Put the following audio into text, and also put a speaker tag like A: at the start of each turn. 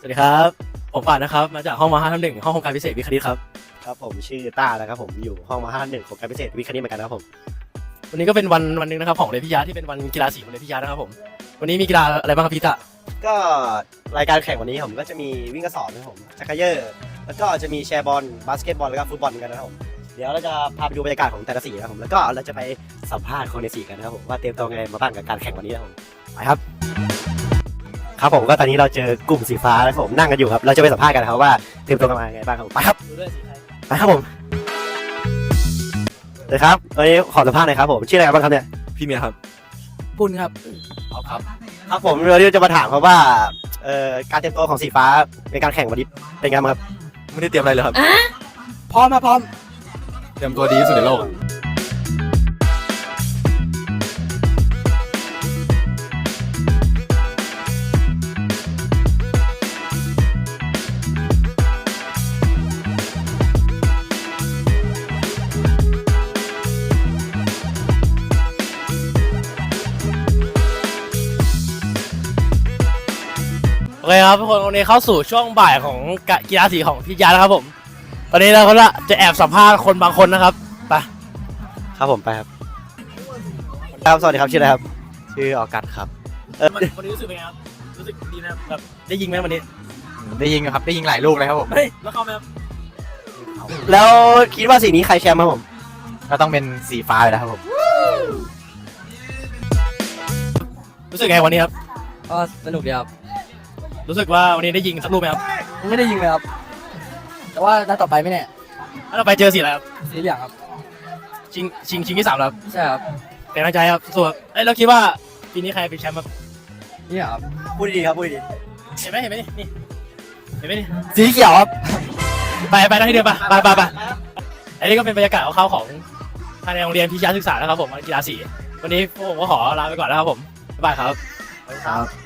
A: สวัสดีครับผมป่านนะครับมาจากห้องม.5 ทับ 1ห้องโครงการพิเศษวิทย์คณิตครับ
B: ครับผมชื่อต้านะครับผมอยู่ห้องม.5 ทับ 1โครงการพิเศษวิทย์คณิตเหมือนกันนะครับผม
A: วันนี้ก็เป็นวันหนึ่งนะครับของเรียนพิทยาที่เป็นวันกีฬาสีของเรียนพิทยานะครับผมวันนี้มีกีฬาอะไรบ้างครับพี่ตะ
B: ก็รายการแข่งวันนี้ผมก็จะมีวิ่งกระสอบนะครับผมจักรยานแล้วก็จะมีแชร์บอลบาสเกตบอลแล้วก็ฟุตบอลกันนะครับผมเดี๋ยวเราจะพาไปดูบรรยากาศของแต่ละสีนะครับผมแล้วก็เราจะไปสัมภาษณ์คนในสีกันนะครับผมว่าเตรียมตัวไงมาบ้างกับการแข่งวันนี้นะครับผมไปครับครับผมก็ตอนนี้เราเจอกลุ่มสีฟ้าแล้วผมนั่งกันอยู่ครับเราจะไปสัมภาษณ์กันครับว่าเตรียมตัวกันมาไงบ้างครับไปครับไปครับผมเลยครับวันนี้ขอสัมภาษณ์หน่อยครับผมชื่ออะไรบ้างครับเนี่ย
C: พี่เมียครับ
A: ปุ้นครับครับ
B: ครับผมเราจะมาถามครับว่าการเตรียมตัวของสีฟ้าในการแข่งวันนี้เป็นไงบ้างครับ
C: ไม่ได้เตรียมอะไรเลยครับ
A: พร้อมพร้อม
C: เตรียมตัวดีที่สุดในโลก
A: โอเคครับทุกคนวันนี้เข้าสู่ช่วงบ่ายของกีฬาสีของพิทยานะครับผมตอนนี้เราก็จะแอบสัมภาษณ์คนบางคนนะครับไป
B: ครับผมไปครับครับสวัสดีครับชื่ออะไรครับชื่อออกัสครับ
A: วันนี้รู้สึกเป็นไงครับรู้สึกดีนะแบบได้ยิงไหมวันนี้
C: ได้ยิงครับได้ยิงหลายลูกเลยครับผม
A: เฮ้ยแล้วเข้าไหมครับ
B: แล้วคิดว่าสีนี้ใครแชมป์ครับผม
C: ก็ต้องเป็นสีฟ้าเลยนะครับผม
A: รู้สึกไงวันนี้ครับ
D: ก็สนุกดีครับ
A: รู้สึกว่าวันนี้ได้ยิงสักลูกไหมครับ
D: ไม่ได้ยิงเลยครับแต่ว่านัดต่อไปไม่แน่
A: ถ้าเราไปเจอสีอะไรครับ
D: สีเหลืองครับ
A: ชิงที่ 3แล้วครับ
D: ใช่ครับ
A: เป็นกำลังใจครับส่วนเราคิดว่าปีนี้ใครเป็นแชมป์ครับ
D: นี่ครับ
B: พูดดีครับพูดดี
A: เห็นไหมนี่เห็นไหมนี่
D: สีเขียวครับ
A: ไปนั่งที่เดิมไปอันนี้ก็เป็นบรรยากาศของภายในโรงเรียนพิทยาศึกษานะครับผมกีฬาสีวันนี้พวกผมก็ขอลาไปก่อนนะครับผมบ๊ายบายครับ